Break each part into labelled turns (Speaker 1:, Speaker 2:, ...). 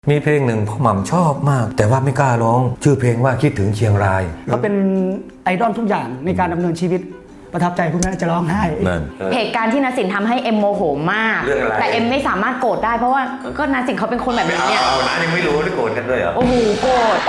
Speaker 1: มีเพลงหนึ่งพ่อหม่ำชอบมากแต่ว่าไม่กล้าร้องชื่อเพลงว่าคิดถึงเชียงราย
Speaker 2: เขาเป็นไอดอลทุกอย่างในการดำเนินชีวิตประทับใจคุณแม่จะร้องไห้
Speaker 3: เหตุการณ์ที่นาสินทำให้เอ็มโมโหมากแต่เอ็มไม่สามารถโกรธได้เพราะว่าก็นาสินเขาเป็นคนแบบนี้เนี่ย
Speaker 1: เอานะยังไม่รู้ได้โกรธกันด้วยเหรอ
Speaker 3: โอ้โหโกรธ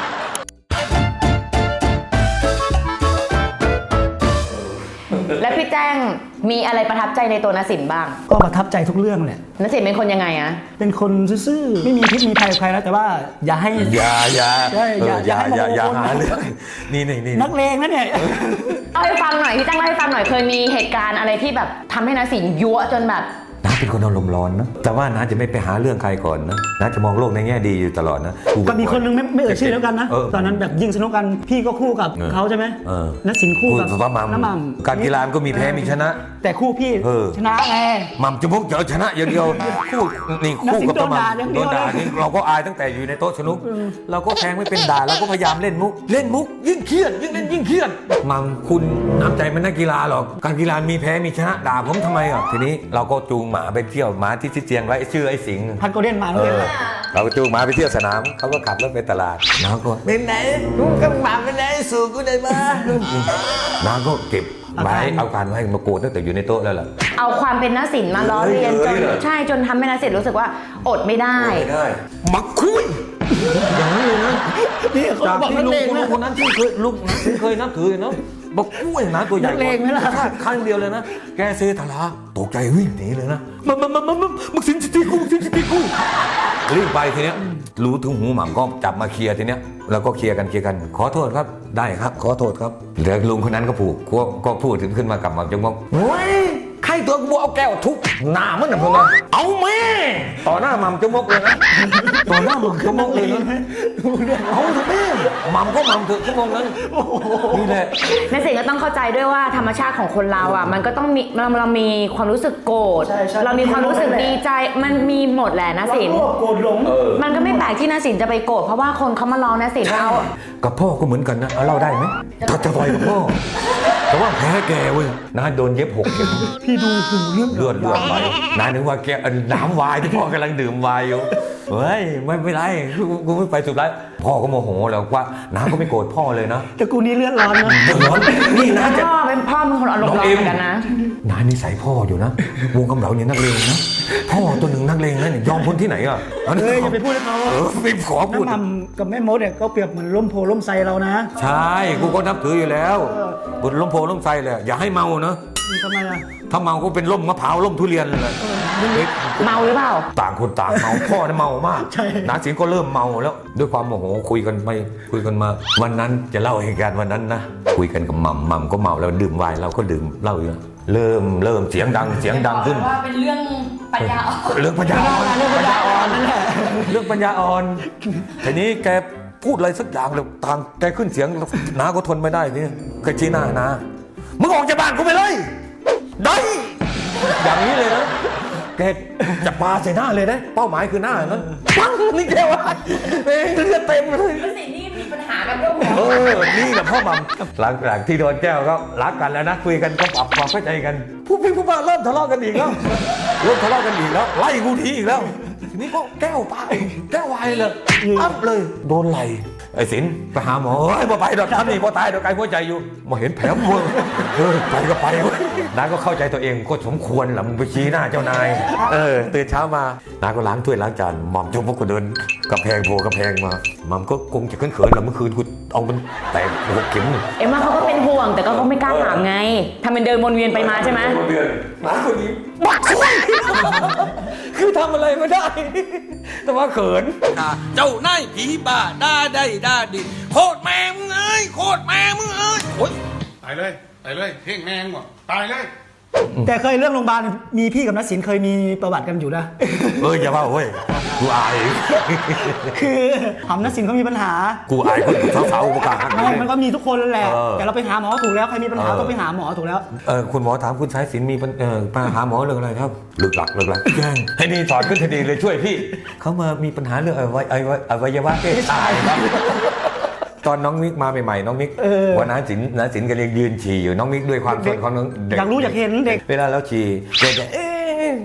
Speaker 3: และพี่แจ้งมีอะไรประทับใจในตัวนาสินบ้าง
Speaker 2: ก็ประทับใจทุกเรื่องแหละ
Speaker 3: นาสินเป็นคนยังไงอะ
Speaker 2: เป็นคนซื่อๆไม่มีพิษมีภัยกับใครนะแต่ว่าอย่าให้
Speaker 1: อย่า
Speaker 2: หา
Speaker 1: เรื่องนี่
Speaker 2: นักเลงนะเนี่ย
Speaker 3: เล่าให้ฟังหน่อยพี่แจ้งเล่าให้ฟังหน่อยเคยมีเหตุการณ์อะไรที่แบบทำให้นาสินยั่วจนแบบ
Speaker 1: น้าเป็นคนอารมณ์ร้อนนะแต่ว่าน้าจะไม่ไปหาเรื่องใครก่อนนะน้าจะมองโลกในแง่ดีอยู่ตลอดนะ
Speaker 2: ก็มีคนนึงไม่เอ่ยชื่อแล้วกันนะตอนนั้นแบบยิงสนุกกันพี่ก็คู่กับเขาใช่ไหมนักสินคู่กับน้ำมัน
Speaker 1: การกีฬาก็มีแพ้มีชนะ
Speaker 2: แต่คู่พี่ชนะไง
Speaker 1: มั่มจะพกเจอชนะอย่างเดียวคู่นี่คู่กับประมาณโดนด่านี่เราก็อายตั้งแต่อยู่ในโต๊ะสนุกเราก็แทงไม่เป็นด่าเราก็พยายามเล่นมุกยิ่งเครียดยิ่งเล่นยิ่งเครียดมั่มคุณน้ำใจมันนักกีฬาหรอกการกีฬามีแพ้มีชนะด่าผมทำไมอ่ะทีนี้เราก็จูงหมาไปเที่ยวหมาที่เจียงไว้ชื่อไอ้สิงห์
Speaker 2: พันโกลเด้นมาเลย
Speaker 1: เราก็จูงหมาไปเที่ยวสนามเขาก็ขับรถไปตลาดน้าก็เป็นไหนลุงกับหมาเป็นไหนสู่กูได้มาน้าก็เก็บไว้เอาการไว้มาโกรธตั้งแต่อยู่ในโต๊ะแล้วล่ะ
Speaker 3: เอาความเป็นนาสินมาล้อเลียนจนใช่จนทำให้นาสินรู้สึกว่าอดไม่ได้
Speaker 1: มักคุยอย่างนี้นะ
Speaker 2: นี่เขาบอกนักเลงนะ
Speaker 1: คนนั้นที่เคยลุงนะเคยนับถือเนาะบอกกุ้ยนะตัวใหญ่
Speaker 2: เลงไหมล่ะ
Speaker 1: ครั้งเดียวเลยนะแกเซทลาตกใจวิ่งหนีเลยนะมึงสินจิตีกูรีบไปทีเนี้ยรู้ถึงหูหม่ำก็จับมาเคลียร์ทีเนี้ยแล้วก็เคลียร์กันขอโทษครับได้ครับขอโทษครับแล้วลุงคนนั้นก็พูดถึงขึ้นมากับหม่ำจงบอกโอ้ยใครตัวกูเอาแก้วทุบหน้ามันนะพวกนั้นเอาแม่ต่อหน้าหม่ำจงบอกเลยนะต่อหน้าหม่ำจงบอกเลยนะเอาเถอะแม่หม่ำก็หม่ำเถอะชั่วโมงนั้นนี่แหละ
Speaker 3: นาสินก็ต้องเข้าใจด้วยว่าธรรมชาติของคนเราอ่ะมันก็ต้องมีเรามีความรู้สึกโกรธเรามีความรู้สึกดีใจมันมีหมดแหละนาสิน
Speaker 2: โกรธหลง
Speaker 3: มันก็ไม่แปลกที่นาสินจะไปโกรธเพราะว่าคนเขามาล้อนาสินเรา
Speaker 1: กับพ่อก็เหมือนกันนะเล่าได้ไหมถ้าจะต่อยกับพ่อแต่ว่าแพ้แกเว้ยน้าโดนเย็บ6 เข็ม
Speaker 2: พี่ดูหูเ
Speaker 1: ลือดไหลน้านึกว่าแกน้ำวายที่พ่อกำลังดื่มวายอยู่เฮ้ยไม่ไรกูไม่ไปสุดท้ายพ่อก็โมโหแล้วว่าน้าก็ไม่โกรธพ่อเลยนะ
Speaker 2: แต่กูนี่เลือดร้อนนะ
Speaker 1: ร้อนนี่น้าจะ
Speaker 3: พ่อเป็นคนอารมณ์ร้อนเหมือนกันนะ
Speaker 1: น้านิสัยพ่ออยู่นะวงกำเหลาเนี่ยนักเลงนะพ่อตัวหนึ่งนักเลงนะเนี่ยยอมพ้นที่ไหนอ่ะ
Speaker 2: อย่าไปพูดให้เขา
Speaker 1: ไม่ขอพูด
Speaker 2: น้ำมันกับแม่มดเนี่ยก็เปรียบเหมือนล้มโพล้มไซเรานะ
Speaker 1: ใช่กูก็นับถืออยู่แล้วบนล้มโพล้มไซเลยอย่าให้เมานะ
Speaker 2: ทำไมอ่ะ
Speaker 1: ถ้าเมาก็เป็นล่มมะพร้าวล่มทุเรียนเลย
Speaker 3: เมาหรือเปล่า
Speaker 1: ต่างคนต่างเมาพ่อเนี่ยเมามากน้าสิงก็เริ่มเมาแล้วด้วยความโมโหคุยกันมาวันนั้นจะเล่าเหตุการณ์วันนั้นนะคุยกันกับหม่ำก็เมาแล้วดื่มไวน์เราก็ดื่มเหล้าอยู่เริ่มเสียงดังขึ้น
Speaker 3: ว่าเป็นเรื่องปัญญาอ่อน
Speaker 1: เรื่องปัญญาอ่อนนั่นแหละเรื่องปัญญาอ่อนทีนี้แกพูดอะไรสักอย่างแล้วทางแกขึ้นเสียงน้าก็ทนไม่ได้นี่แกชี้หน้านะมึงออกจากบ้านกูไปเลยได้อย่างนี้เลยนะแกจะปาใส่หน้าเลยนะเป้าหมายคือหน้านั้นปังนี่แกว่าเลือดเต็มเลย
Speaker 3: สินี่มีปัญหากับเรื่องหัว
Speaker 1: นี่กับพ่อหม่ำหลังจากที่โดนแก้วก็รักกันแล้วนะคุยกันก็ปรับความเข้าใจกันผู้พี่ผู้ป้าเริ่มทะเลาะกันอีกแล้วไล่กูทีอีกแล้วทีนี้ก็แก้ววายเลยอัพเลยโดนไหลไอ้สินไปหาหมอมาไปดอกท่านนี่พอตายดอกไกลหัวใจอยู่มาเห็นแผลมึงไปก็ไปน้าก็เข้าใจตัวเองก็สมควรแหละมึงไปชี้หน้าเจ้านายตื่นเช้ามาน้าก็ล้างถ้วยล้างจานหม่อมจมพวกกูเดินกระแพงมาหม่อมก็คงจะเขินๆแหละเมื่อคืนกูเอามันแตก6 เข็ม
Speaker 3: เอ็มว่าเขาก็เป็นห่วงแต่ก็ไม่กล้าถามไงทำเป็นเดินวนเวียนไปมาใช่ไหม
Speaker 1: น้าคนนี้บักช่วยคือทำอะไรไม่ได้แต่ว่าเขิน
Speaker 4: เจ้านายผีบ้าด่าได้ด่าดิโคตรแม่มึงเอ้ยโคตรแม่มึงเอ้ยโอ๊ยตายเลยเพ่งแม่งหมดตายเลย
Speaker 2: แต่เคยเรื่องโรงพยาบาลมีพี่กับนักศิลป์เคยมีประวัติกันอยู่นะ
Speaker 1: อย่าว่าเว้ยกูอาย
Speaker 2: คือทำนักศิลป์เขามีปัญหา
Speaker 1: กูอายคนสาวๆประกาศ
Speaker 2: มันก็มีทุกคนแหละแต่เราไปหาหมอถูกแล้วใครมีปัญหาต้องไปหาหมอถูกแล้ว
Speaker 1: คุณหมอถามคุณสายศิลป์มีปัญหาหมอเรื่องอะไรครับเลิกหลักแย่งให้นี่ถอดขึ้นทันทีเลยช่วยพี่เขามามีปัญหาเรื่องอวัยวะเพศชายครับตอนน้องมิกมาใหม่ๆน้องมิกวันน้าสินก็เรียกยืนฉี่อยู่น้องมิกด้วยความสนของน้อง
Speaker 2: เด็กอยากรู้อยากเห็นเด็ก
Speaker 1: เวลาแล้วฉี่ก็จะ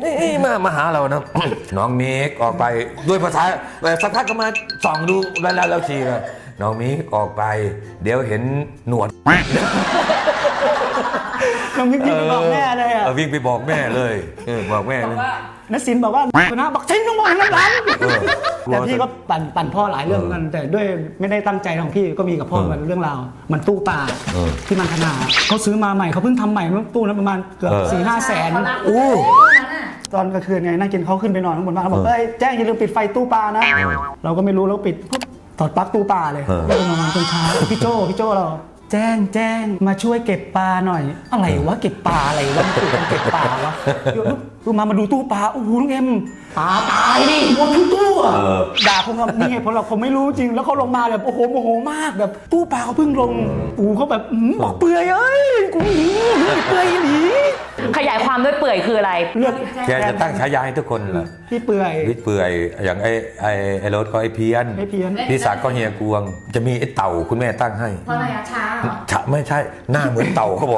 Speaker 1: นี่มาหาเรานะ น้องมิกออกไปด้วยภาษาสักพักก็มาส่องดูแล้วชีนะน้องมิกออกไป เดี๋ยวเห็นหนวด
Speaker 2: น้องมิกวิ่งไปบอกแม่เลยอ่ะ
Speaker 1: วิ่งไปบอกแม่เลยบอกแม่เลย
Speaker 2: นัสินบอกว่านะบอกฉันต้องมองน้ำหลังแต่พี่ก็ปั่นพ่อหลายเรื่องกันแต่ด้วยไม่ได้ตั้งใจของพี่ก็มีกับพ่อมันเรื่องราวมันตู้ปลาที่มันขนาดเขาซื้อมาใหม่เขาเพิ่งทำใหม่ตู้นั้นประมาณเกือบ4-5 แสนตอนกลางคืนไงนั่งกินเขาขึ้นไปนอนข้างบนบ้านเขาบอกแจ้งอย่าลืมปิดไฟตู้ปลานะเราก็ไม่รู้เราปิดปุ๊บถอดปลั๊กตู้ปลาเลยแล้วก็นอนจนเช้าพี่โจ้เราแจ้งมาช่วยเก็บปลาหน่อยอะไรวะเก็บปลาอะไรวะมันเก็บปลาวะมาดูตู้ปลาโอ้โหน้องเอ็มปลาตายดิหมดทั้งตู้อ่ะด่าผมว่านี่เหตุผลเราผมไม่รู้จริงแล้วเขาลงมาแบบโอ้โหโมโหมากแบบตู้ปลาเขาเพิ่งลงเขาแบบบอกเปื่อยเอ้ยกูเปื่อยหนี
Speaker 3: ขยายความด้วยเปื่อยคืออะไร
Speaker 2: เลือก
Speaker 1: แกจะตั้งฉายาให้ทุกคนเหรอ
Speaker 2: พี่เปื่อย
Speaker 1: วิทย์เปื่อยอย่างไอ้รถก็ไอ้เพี้ยนพี่ศักดิ์ก็เฮียกวงจะมีไอ้เต่าคุณแม่ตั้งให้
Speaker 3: เพราะอะไรช้าเหรอ
Speaker 1: ไม่ใช่หน้าเหมือนเต่าเขาบอก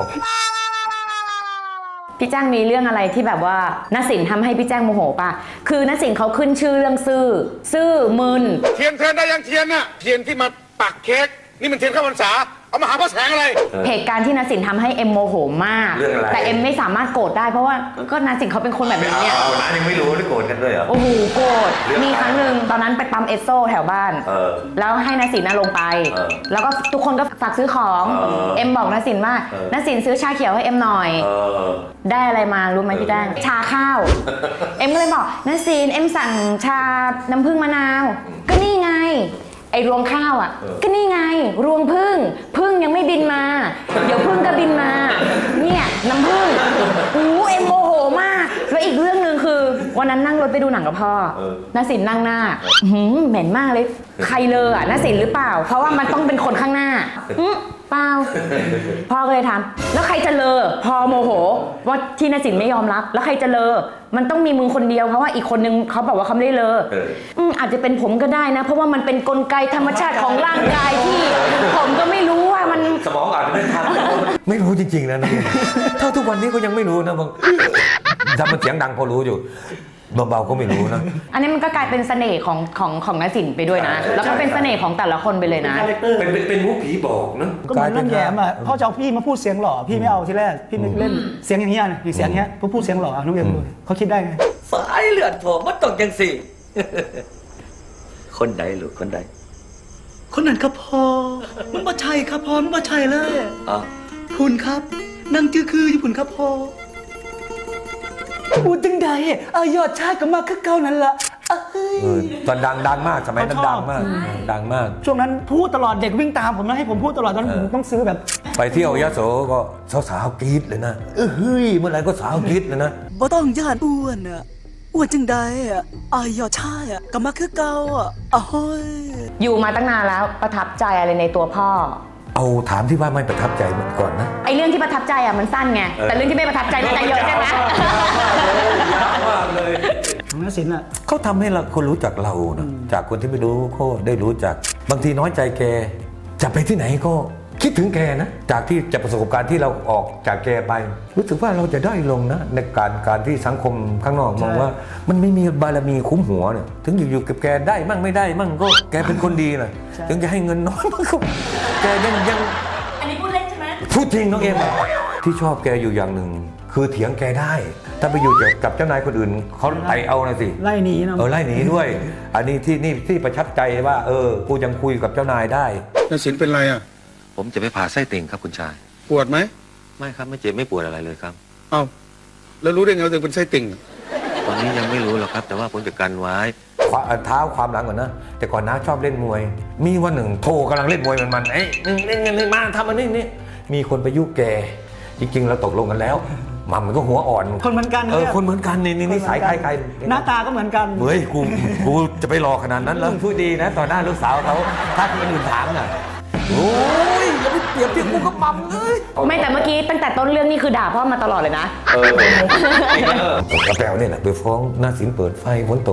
Speaker 3: พี่แจ้งมีเรื่องอะไรที่แบบว่าณสินทำให้พี่แจ้งโมโหป่ะคือณสินเขาขึ้นชื่อเรื่องซื่อมึน
Speaker 4: เทียนได้ยังเทียนน่ะเทียนที่มาปักเค้กนี่มันเทียนข้าวพรรษาเอามาหาพระแสงอะไร
Speaker 3: เหตุการณ์ที่ณสินทำให้เอ็มโมโหมาก
Speaker 1: เรื่องอะไร
Speaker 3: แต่เอ็มไม่สามารถโกรธได้เพราะว่าก็ณสินเขาเป็นคนแบบนี้เนี่ย
Speaker 1: เอานะยังไม่รู้ได้โกรธกันด้วยเหรอ
Speaker 3: โอ้โหโกรธมีครั้งหนึ่งตอนนั้นไปปั๊มเอสโซแถวบ้านแล้วให้ณสินลงไปแล้วก็ทุกคนก็ฝากซื้อของเอ็มบอกณสินว่าณสินซื้อชาเขียวให้เอ็มหน่อยได้อะไรมารู้ไหมพี่แจ้งชาข้าว เอ็มก็เลยบอกณสินเอ็มสั่งชาน้ำผึ้งมะนาวก็นี่ไงไอ้รวงข้าวอ่ะก็นี่ไงรวงผึ้งยังไม่บินมาเดี๋ยวผึ้งก็บินมาเนี่ยน้ำผึ้งเอ็มโมโหมากแล้วอีกเรื่องหนึ่งคือวันนั้นนั่งรถไปดูหนังกับพ่อณสินนั่งหน้าเหม็นมากเลยใครเลออ่ะณสินหรือเปล่าเพราะว่ามันต้องเป็นคนข้างหน้าเปล่าพ่อก็เลยถามแล้วใครจะเลอพอโมโหว่าที่ณสินไม่ยอมรับแล้วใครจะเลอมันต้องมีมึงคนเดียวเพราะว่าอีกคนนึงเขาบอกว่าเขาไม่ได้เลออาจจะเป็นผมก็ได้นะเพราะว่ามันเป็นกลไกธรรมชาติของร่างกายที่ผมก็ไม่รู้ว่ามัน
Speaker 1: สมองอาจจะไม่ทันไม่รู้จริงๆนะถ้าทุกวันนี้ก็ยังไม่รู้นะบางถ้ามันเสียงดังพอรู้อยู่เบาๆก็ไม่รู้นะ
Speaker 3: อันนี้มันก็กลายเป็นเสน่ห์ของณสินไปด้วยนะแล้วก็เป็นเสน่ห์ของแต่ละคนไปเลยนะ
Speaker 1: เป็นมุกผีบอกนะ
Speaker 2: ก็เหมือนเรื่องแย้มอ่ะพ่อจะเอาพี่มาพูดเสียงหล่อพี่ไม่เอาทีแรกพี่ไม่เล่นเสียงอย่างเงี้ยนะเสียงเงี้ยพูดเสียงหล่อน้องเอ็มเขาคิดได้ไง
Speaker 5: สายเลือดผมมันต้องจังสิ คนใดลูกคนใด
Speaker 6: คนนั้นครับพ่อมันบ่ใช่ครับพ่อมันบ่ใช่เลย
Speaker 5: อ๋อ
Speaker 6: พุ่นครับนั่งจื้อคืออยู่พุ่นครับพ่อพูดจังใดยอดชายก็มาคือเก่านั่นล่ะ
Speaker 1: ตอนดังมากสมัยนั้นดังมากดังมาก
Speaker 2: ช่วงนั้นพูดตลอดเด็กวิ่งตามผมนะให้ผมพูดตลอดตอนนั้นผมต้องซื้อแบบ
Speaker 1: ไปเที่ยวยโสก็สาวๆกรี๊ดเลยนะเฮ้ยเมื่อไหร่ก็สาวกรี๊ดเลยนะ
Speaker 6: บ่ต้องย่านอ้วนอ้วนจังใดยอดชายก็มาคือเก่าโอ้ย
Speaker 3: อยู่มาตั้งนานแล้วประทับใจอะไรในตัวพ่อ
Speaker 1: เอาถามที่ว่าไม่ประทับใจมันก่อนนะ
Speaker 3: ไอเรื่องที่ประทับใจมันสั้นไงแต่เรื่องที่ไม่ประทับใจน่าจะเยอะใช่ไหม
Speaker 2: ของนักศิลป์อ่ะ
Speaker 1: เขาทำให้เราคนรู้จักเรานะจากคนที่ไม่รู้ก็ได้รู้จักบางทีน้อยใจแกจะไปที่ไหนก็คิดถึงแกนะจากที่จากประสบการณ์ที่เราออกจากแกไป รู้สึกว่าเราจะได้ลงนะในการที่สังคมข้างนอกมองว่ามันไม่มีบารมีคุ้มหัวเนี่ยถึงอยู่กับแกได้มั่งไม่ได้มั่งก็แกเป็นคนดีนะถึงจะให้เงินน้อยมั่งก็แกยังอันนี้พูดเล่นใช่ไหมพูดจริงน้องเอ็มที่ชอบแกอยู่อย่างหนึ่งคือเถียงแกได้ถ้าไปอยู่กับเจ้านายคนอื่นเขาไต่เอานะสิ
Speaker 2: ไล่หนีนะ
Speaker 1: ไล่หนีด้วย อันนี้ที่ประทับใจว่ากูยังคุยกับเจ้านายได้
Speaker 4: นสินเป็นไรอ่ะ
Speaker 7: ผมจะไปผ่าไส้ติ่งครับคุณชาย
Speaker 4: ปวดไหม
Speaker 7: ไม่ครับไม่เจ็บไม่ปวดอะไรเลยครับ
Speaker 4: เอ้าแล้วรู้ได้ไงว่าตัวเองเป็นไส้ติ่ง
Speaker 7: ตอนนี้ยังไม่รู้หรอกครับ แต่ว่าผมจะกันไว้
Speaker 1: เท้าความหลังก่อนนะแต่ก่อนน้าชอบเล่นมวย มีวันหนึ่งโทกำลังเล่นมวยมันเล่นมาทำอันนี้มีคนไปยุแกจริงๆเราตกลงกันแล้วมันก็หัวอ่อน
Speaker 2: คนเหมือนกัน
Speaker 1: คนเหมือนกันนี่สายใคร
Speaker 2: หน้าตาก็เหมือนกัน
Speaker 1: เฮ้ยกูจะไปรอขนาดนั้นแล้วพูดดีนะต่อหน้าลูกสาวเขาถ้าคนอื่นถามน่ะโอ้ยอย่าไปเปรียบเทียบกูกับมัมเลย
Speaker 3: ไม่แต่เมื่อกี้ตั้งแต่ต้นเรื่องนี่คือด่าพ่อมาตลอดเลยนะ
Speaker 1: กระแปลเนี่ยแหละไปฟ้องหน้าสินเปิดไฟฝนตก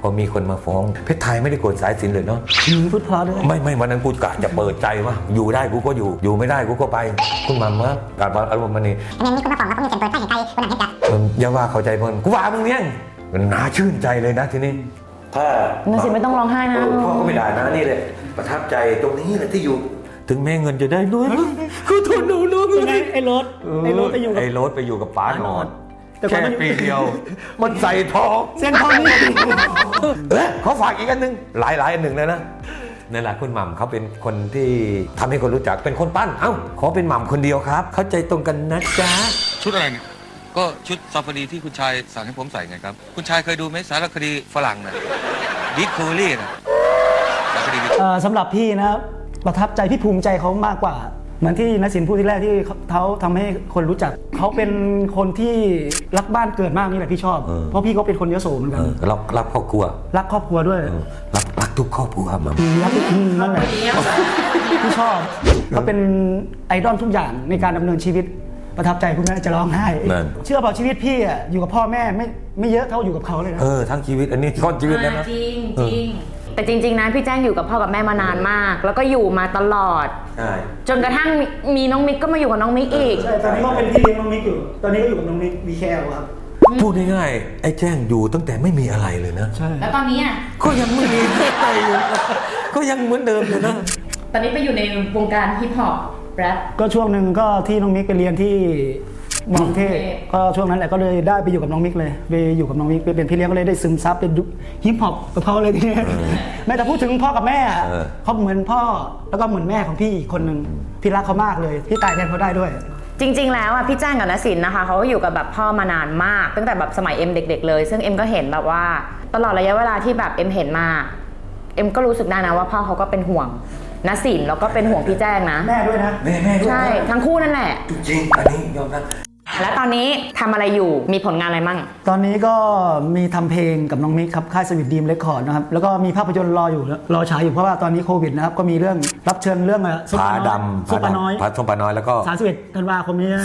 Speaker 1: พอมีคนมาฟ้องเพชรไทยไม่ได้โกรธสายสิญจน์เลยเนาะ
Speaker 2: พูดเพราะด้วย
Speaker 1: ไม่วันนั้นกูกะจะเปิดใจว่าอยู่ได้กูก็อยู่ไม่ได้กูก็ไปคุณมัมว่าการบอลอารมณ์มันนี่
Speaker 8: อันนี้ก็มาฟังแล้วก็มีเสียงเปิดใต้เห็นใจคนหนังเห็นใจ
Speaker 1: อย่าว่าเข้าใจเพิ่นกูว่ามึงเนี่ยมันน่าชื่นใจเลยนะทีนี้ถ้า
Speaker 3: นสินไม่ต้องร้องไห้นะ
Speaker 1: พ่อก็ไม่ด่านะนี่เลยประทับใจตรงนี้แหละที่อยู่ ถึงแม่เงินจะได้น้อยคือทนหนู
Speaker 2: ยังไงไอ้รถไปอยู่กับ
Speaker 1: ไอ้รถไปอยู่กับป๋าหนอน
Speaker 2: แต่ก่อน
Speaker 1: แค่
Speaker 2: มัน
Speaker 1: ปีเดียว มันใส่ทอง
Speaker 2: เส้นทองนี่
Speaker 1: เขาฝากอีกอันหนึ่งหลายอันหนึ่งเลยนะนั่นแหละคุณหม่ำเขาเป็นคนที่ทำให้คนรู้จักเป็นคนปั้นเอ้าขอเป็นหม่ำคนเดียวครับ เข้าใจตรงกันนะจ๊ะ
Speaker 4: ชุดอะไรเนี่ย
Speaker 7: ก็ชุดซาฟารีที่คุณชายสั่งให้ผมใส่ไงครับ คุณชายเคยดูไหมสารคดีฝรั่งนะดิสคัฟเวอรี่นะสารคดี
Speaker 2: สำหรับพี่นะประทับใจพี่ภูมิใจเขามากกว่า เหมือนที่นสินพูดที่แรกที่เขาทำให้คนรู้จักเขาเป็นคนที่รักบ้านเกิดมากนี่แหละพี่ชอบ เพราะพี่ก็เป็นคนยโสเหมือนกัน
Speaker 1: รักครอบครัว
Speaker 2: รักครอบครัวด้วย
Speaker 1: รักทุกครอบครัวหม่ำ
Speaker 2: รักนั่นแหละพี่ชอบเขาเป็นไอดอลทุกอย่างในการดำเนินชีวิตประทับใจคุณแม่จะร้องไห้เชื่อเปล่าชีวิตพี่อ่ะอยู่กับพ่อแม่ไม่เยอะเท่าอยู่กับเขาเลยนะ
Speaker 1: ทั้งชีวิตอันนี้ข้อนชีวิตแล้วนะ
Speaker 3: จริงแต่จริงๆนะพี่แจ้งอยู่กับพ่อกับแม่มานานมาก แล้วก็อยู่มาตลอด
Speaker 1: ใช่
Speaker 3: จนกระทั่งมีน้องมิกก็มาอยู่กับน้องมิกอีก
Speaker 2: ใช่ตอนนี้ก็เป็นพี่เลี้ยงน้องมิกอยู่ตอนนี้ก็อยู่กับน้องมิกวีแคลครับ
Speaker 1: พูดง่ายๆไอ้แจ้งอยู่ตั้งแต่ไม่มีอะไรเลยนะ
Speaker 2: ใช่
Speaker 3: แล้วตอนนี้อ่ะ
Speaker 1: ก็ยังไม่มีอะไรอยู่ก็ยังเหมือนเดิมอยู่นะ
Speaker 3: ตอนนี้ไปอยู่ในวงการฮิปฮอปแรป
Speaker 2: ก็ช่วงหนึ่งก็ที่น้องมิกไปเรียนที่มอกรุงเทพก็ช่วงนั้นแหละก็เลยได้ไปอยู่กับน้องมิกเลยไปอยู่กับน้องมิกไปเป็นพี่เลี้ยงก็เลยได้ซึมซับเป็นฮิปฮอปกับเขาเลยทีนี้แม้แต่พูดถึงพ่อกับแม่เขาเหมือนพ่อแล้วก็เหมือนแม่ของพี่อีกคนหนึ่งพี่รักเขามากเลยพี่ตายแทนเขาได้ด้วย
Speaker 3: จริงๆแล้วอ่ะพี่แจ้งกับนสินนะคะเขาก็อยู่กับแบบพ่อมานานมาก ตั้งแต่แบบสมัยเอ็มเด็กๆเลยซึ่งเอ็มก็เห็นแบบว่าตลอดระยะเวลาที่แบบเอ็มเห็นมาเอ็มก็รู้สึกได้นะว่าพ่อเขาก็เป็นห่วงนสินแล้วก็เป็นห่วงพี่แจ้งนะ
Speaker 2: แม่ด้วยนะ
Speaker 1: แม่ด้วย
Speaker 3: ใช่ทั้งคู่นั่นแหละ
Speaker 1: จริงอันนี้ยอมรับ
Speaker 3: แล้วตอนนี้ทำอะไรอยู่มีผลงานอะไรมั่ง
Speaker 2: ตอนนี้ก็มีทำเพลงกับน้องมิกครับค่ายสวิตดีมเรคคอร์ดนะครับแล้วก็มีภาพยนตร์รอฉายอยู่เพราะว่าตอนนี้โควิดนะครับก็มีเรื่องรับเชิญเรื่องซุป
Speaker 1: ผา
Speaker 2: เปอร์น้อย
Speaker 1: ดำ
Speaker 2: ซุปเปอร์น้อย
Speaker 1: ผาส้มปลาน้อยแล้วก็
Speaker 2: 31 ธันวาคมนี้นะ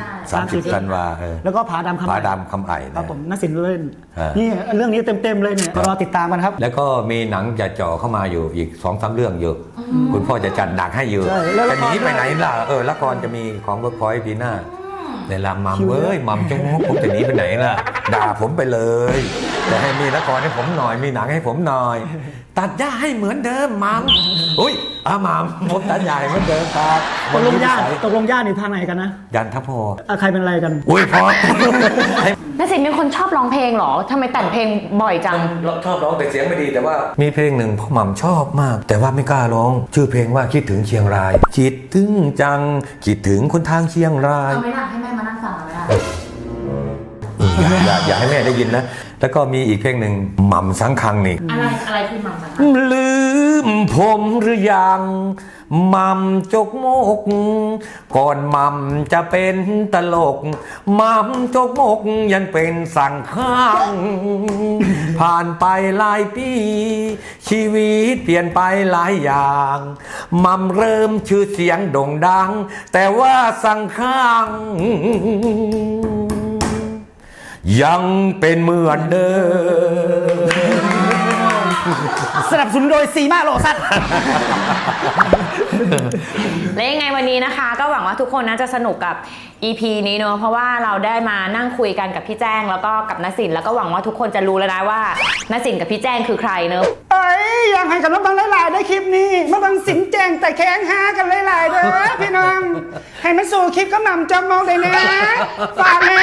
Speaker 1: 30ธันวา
Speaker 2: แล้วก็ผาดำคำ
Speaker 1: ผา
Speaker 2: ไอ
Speaker 1: ดำคำไอ่
Speaker 2: ครับผมนสินเล่น
Speaker 1: อ่า
Speaker 2: นี่เรื่องนี้เต็มๆเลยเนี่ยรอติดตามกันครับ
Speaker 1: แล้วก็มีหนังจะจ่อเข้ามาอยู่อีก 2-3 เรื่องอยู่คุณพ่อจะจัดหนักให้อยู่
Speaker 2: ใช่แล้วละ
Speaker 1: จะ
Speaker 2: คร
Speaker 1: หนีไปไหนล่ะละครจะมีของเวิร์กพอยต์ปีหน้าในลำมัมเว้ยมัมจงผมจะหนีไปไหนล่ะด่าผมไปเลยแต่ให้มีละครให้ผมหน่อยมีหนังให้ผมหน่อย ตัดหญ้าให้เหมือนเดิมมัมอุ้ยมัมผมตัดหญ้าให้เหมือนเดิมครับ
Speaker 2: ตกลงญาตินี่ทางไหนกันนะ
Speaker 1: ยันทพอ
Speaker 2: ใครเป็นอะไรกัน
Speaker 1: อุ้ยพอ
Speaker 3: นสินเป็นคนชอบร้องเพลงเหรอทำไมแต่งเพลงบ่อยจัง
Speaker 1: ชอบร้องแต่เสียงไม่ดีแต่ว่ามีเพลงหนึ่งพ่อหม่ำชอบมาก แต่ว่าไม่กล้าร้องชื่อเพลงว่าคิดถึงเชียงรายคิดถึงจังคิดถึงคนทางเชียงราย
Speaker 3: เอาไม่ได้ให้แม่มานั่งฟังไม่ได้
Speaker 1: อย่าให้แม่ได้ยินนะแล้วก็มีอีกเพลงหนึ่งหม่ำสังคังนี่
Speaker 3: อะไรคือมัมสัง
Speaker 1: ลืมผมหรือยังหม่ำจกมก ก่อนหม่ำจะเป็นตลกหม่ำจกมกยังเป็นสั่งข้าง ผ่านไปหลายปี ชีวิตเปลี่ยนไปหลายอย่างหม่ำเริ่มชื่อเสียงโด่งดัง แต่ว่าสั่งข้าง ยังเป็นเหมือนเดิม
Speaker 2: สนับสนุนโดยซีมาโลซัส
Speaker 3: และยังไงวันนี้นะคะ ก็หวังว่าทุกคนน่าจะสนุกกับ EP นี้เนอะเพราะว่าเราได้มานั่งคุยกันกับพี่แจ้งแล้วก็กับนสินแล้วก็หวังว่าทุกคนจะรู้แล้วนะว่านสินกับพี่แจ้งคือใครเนอะ
Speaker 2: เอ้ยอยากให้กับน้องบังหลายๆได้คลิปนี้มาบังสินแจงแต่แข้งหากันหลายๆเด้อพี่น้องให้มันสู่คลิปก็หม่ำจอมมองได้นะฝากนะ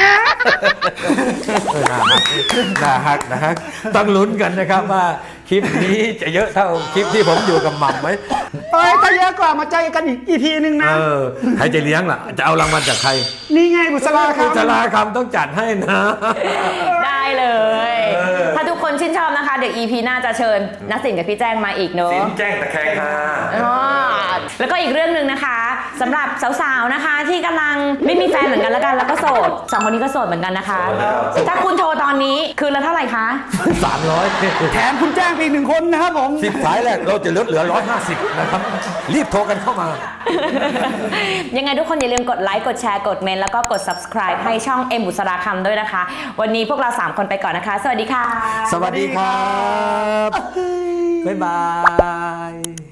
Speaker 1: นะฮะต้องลุ้นกันนะครับว่าคลิปนี้จะเยอะเท่าคลิปที่ผมอยู่กับหม่ำไหม
Speaker 2: เอ้ยถ้าเยอะกว่ามาเจอกันอีก EP นึงนะ
Speaker 1: ใครจะเลี้ยงล่ะจะเอารางวัลจากใคร
Speaker 2: นี่ไงบุษราค
Speaker 1: คุณชลาคำต้องจัดให้นะ
Speaker 3: ได้เลย ถ้าทุกคนชื่นชอบนะคะเดี๋ยว EP หน้าจะเชิญนสินกับพี่แจ้งมาอีกเนอะ
Speaker 1: สินแจ้งตะแคงฮา
Speaker 3: อ๋อแล้วก็อีกเรื่องหนึ่งนะคะสำหรับสาวๆนะคะ ที่กำลังไม่มีแฟนเหมือนกันแล้วกันแล้วก็โสดสองคนนี้ก็โสดเหมือนกันนะคะ ถ้าคุณโทรตอนนี้คืนละเท่าไหร่คะ
Speaker 1: 300
Speaker 2: แถมคุณแจ้งไปอีก1 คนนะครับผม
Speaker 1: 10 สายแรกเราจะลดเหลือ 150 นะครับ รีบโทรกันเข้ามา
Speaker 3: ยังไงทุกคนอย่าลืมกดไลค์กดแชร์กดเมนต์แล้วก็กด subscribe ให้ช่องเอ็มบุษราคำด้วยนะคะวันนี้พวกเรา3คนไปก่อนนะคะสวัสดีค่ะ
Speaker 1: สวัสดีครับ บ๊ายบาย